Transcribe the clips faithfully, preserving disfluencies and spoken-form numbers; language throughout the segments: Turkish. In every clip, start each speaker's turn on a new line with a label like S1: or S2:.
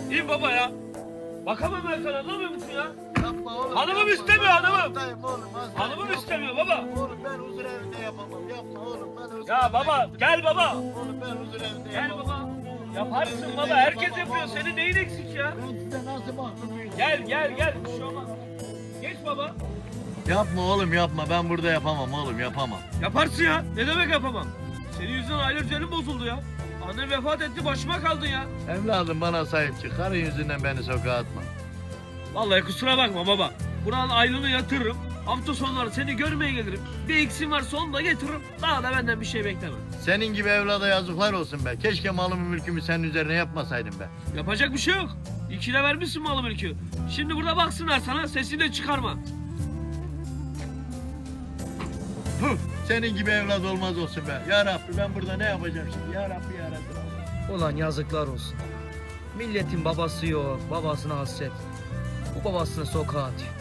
S1: İn baba ya. Bakamam ben sana, anlamıyor musun ya?
S2: Yapma oğlum.
S1: Hanımım
S2: yapma.
S1: istemiyor,
S2: Ben
S1: hanımım.
S2: hastayım oğlum, hastayım.
S1: Hanımım
S2: Yapma.
S1: istemiyor baba.
S2: Oğlum ben huzur evinde yapamam. Yapma oğlum. Ben huzur
S1: Ya
S2: evinde
S1: baba,
S2: yapamam.
S1: gel baba.
S2: Oğlum ben huzur evinde
S1: Gel
S2: yapamam.
S1: baba. Yaparsın
S2: Huzur
S1: baba,
S2: evinde
S1: herkes
S2: yapamam
S1: yapıyor.
S2: oğlum.
S1: Senin neyin eksik ya?
S2: Ben size nasıl mahkumuyum?
S1: Gel, gel, gel. Bir şey olmaz. Geç baba.
S2: Yapma oğlum yapma. Ben burada yapamam oğlum yapamam.
S1: Yaparsın ya. Ne demek yapamam? Senin yüzünden aile düzenim bozuldu ya. Annen vefat etti, başıma kaldın ya.
S2: Evladım bana sahip çık. Karın yüzünden beni sokağa atma.
S1: Vallahi kusura bakma baba. Buranın aylığını yatırırım. Hafta sonları seni görmeye gelirim. Bir eksiğim varsa onu da getiririm. Daha da benden bir şey bekleme.
S2: Senin gibi evlada yazıklar olsun be. Keşke malımı mülkümü senin üzerine yapmasaydım be.
S1: Yapacak bir şey yok. İkile vermişsin malı mülkü. Şimdi burada baksınlar sana, sesini de çıkarma.
S2: Puh, senin gibi evlat olmaz olsun be. Ya Rabbi ben burada ne yapacağım şimdi? Ya Rabbi ya Rabbi.
S3: Ulan yazıklar olsun. Milletin babası yok, babasına hasret. Bu babasını sokağa atıyor.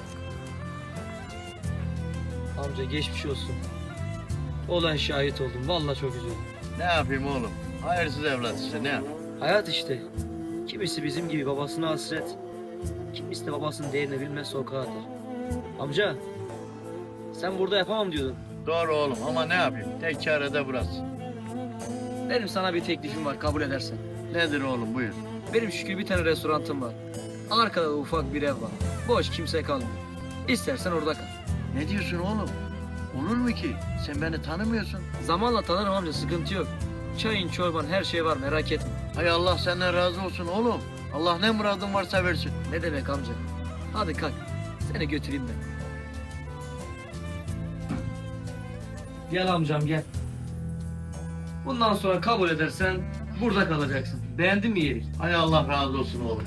S3: Amca geçmiş olsun. Olan şahit oldum. Vallahi çok üzüldüm.
S2: Ne yapayım oğlum? Hayırsız evlat işte ne yapayım?
S3: Hayat işte. Kimisi bizim gibi babasına hasret. Kimisi de babasının değerini bilmez sokağa atar. Amca, sen burada yapamam diyordun.
S2: Doğru oğlum ama ne yapayım? Tek çare de burası.
S3: Benim sana bir teklifim var, kabul edersen.
S2: Nedir oğlum buyur.
S3: Benim şükür bir tane restorantım var. Arkada da ufak bir ev var. Boş, kimse kalmıyor. İstersen orada kal.
S2: Ne diyorsun oğlum? Olur mu ki? Sen beni tanımıyorsun.
S3: Zamanla tanırım amca, sıkıntı yok. Çayın, çorban, her şey var, merak etme.
S2: Hay Allah senden razı olsun oğlum. Allah ne muradın varsa versin.
S3: Ne demek amca? Hadi kalk, seni götüreyim ben. Gel amcam gel. Bundan sonra kabul edersen burada kalacaksın. Beğendin mi yeri?
S2: Hay Allah razı olsun oğlum.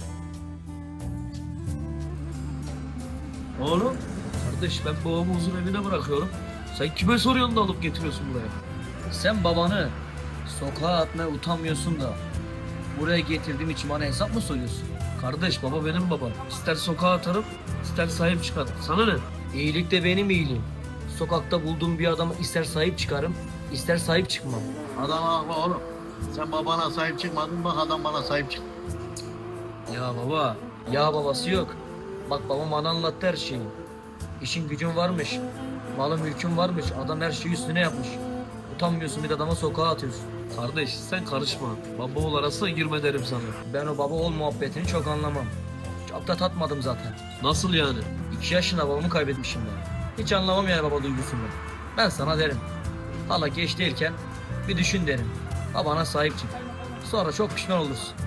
S1: Oğlum, kardeş ben babamı huzur evine bırakıyorum. Sen kime soruyorsun da alıp getiriyorsun buraya?
S3: Sen babanı sokağa atmaya utanmıyorsun da buraya getirdiğim için bana hesap mı soruyorsun?
S1: Kardeş, baba benim babam. İster sokağa atarım, ister sahip çıkarım. Sana ne?
S3: İyilik de benim iyiliğim. Sokakta bulduğum bir adama ister sahip çıkarım, ister sahip çıkmam.
S2: Adam haklı oğlum. Sen babana sahip çıkmadın bak adam bana sahip çıktı.
S3: Ya baba, ya babası yok. Bak babam bana anlattı her şeyi. İşin gücün varmış, malın mülkün varmış, adam her şeyi üstüne yapmış. Utanmıyorsun bir de adama sokağa atıyorsun.
S1: Kardeş sen karışma. Baba oğul arasına girme derim sana.
S3: Ben o baba oğul muhabbetini çok anlamam. Çok da tatmadım zaten.
S1: Nasıl yani?
S3: İki yaşında babamı kaybetmişim ben. Hiç anlamam yani baba duygusundan. Ben sana derim. Hala geç değilken bir düşün derim. Babana sahip çık. Sonra çok pişman olursun.